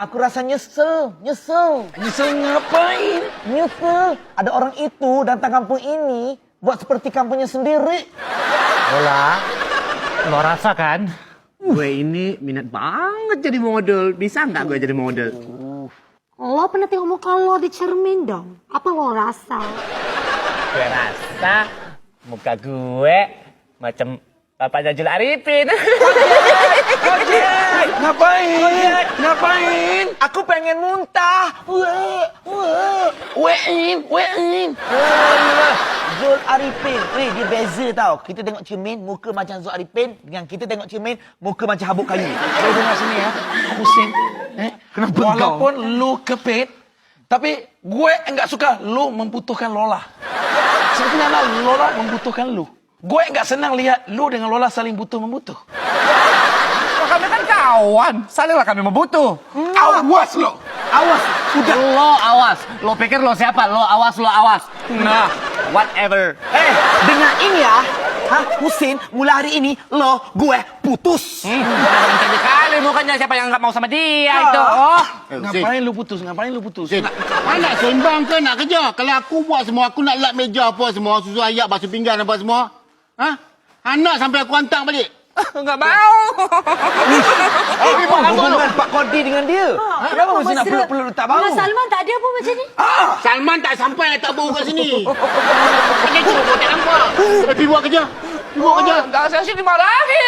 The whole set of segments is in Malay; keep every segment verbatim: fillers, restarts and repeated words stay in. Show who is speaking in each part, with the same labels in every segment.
Speaker 1: Aku rasa nyesel, nyesel.
Speaker 2: Nyesel ngapain?
Speaker 1: Nyesel. Ada orang itu datang kampung ini buat seperti kampungnya sendiri.
Speaker 3: Lola, lo rasa kan?
Speaker 4: Gue ini minat banget jadi model. Bisa nggak gue jadi model?
Speaker 5: Lo pernah tengok muka lo di cermin dong? Apa lo rasa?
Speaker 3: Gue rasa muka gue macam Bapak Jajul Arifin.
Speaker 2: Ojek! Ngapain? Ngapain?
Speaker 1: Aku pengen muntah. Weh, weh.
Speaker 2: Wein, wein.
Speaker 1: Alah, Zul Arifin. Weh, dia beza tau. Kita tengok cermin, muka macam Zul Arifin. Dengan kita tengok cermin, muka macam habuk kayu.
Speaker 2: Saya dengar sini ya, Husin. Eh,
Speaker 1: Kenapa
Speaker 2: walaupun lu kepit, tapi gue enggak suka lu membutuhkan Lola. Sebenarnya Lola membutuhkan lu. Gue enggak senang lihat lu dengan Lola saling butuh-membutuh.
Speaker 3: Kami kan kawan, salinglah kami membutuh.
Speaker 2: Awas lo.
Speaker 3: Awas, sudah. Lo awas. Lo pikir lo siapa? Lo awas, lo awas. Nah, whatever.
Speaker 1: Eh, dengar ini ya. Hah, Husin, mulai hari ini, lo, gue, putus.
Speaker 3: Hmm, jadi kali mukanya siapa yang nggak mau sama dia itu. Oh.
Speaker 2: Ngapain lu putus? Ngapain lu putus?
Speaker 6: Sin, nak sembang ke nak kerja? Kalau aku buat semua, aku nak lap meja apa semua, susu ayak, basuh pinggan apa semua. Ha? Anak sampai aku hantar balik.
Speaker 3: Nggak mau.
Speaker 1: Apa hubungan Pak Kodi dengan dia? Kenapa mesti nak peluk-peluk tak bau?
Speaker 5: Mas Salman tak ada apa macam ni?
Speaker 6: Salman tak sampai tak bau kat sini. Macam tu, kau tak nampak. Eh, pergi buat kerja. Pergi buat kerja.
Speaker 3: Nggak saya sih dimarahi.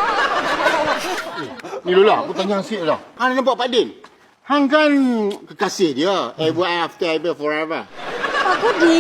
Speaker 6: Ni Lola, aku tanya Asyik lah. Hang nampak Pak Din? Hang kan kekasih dia. Ever after, ever forever.
Speaker 5: Aku di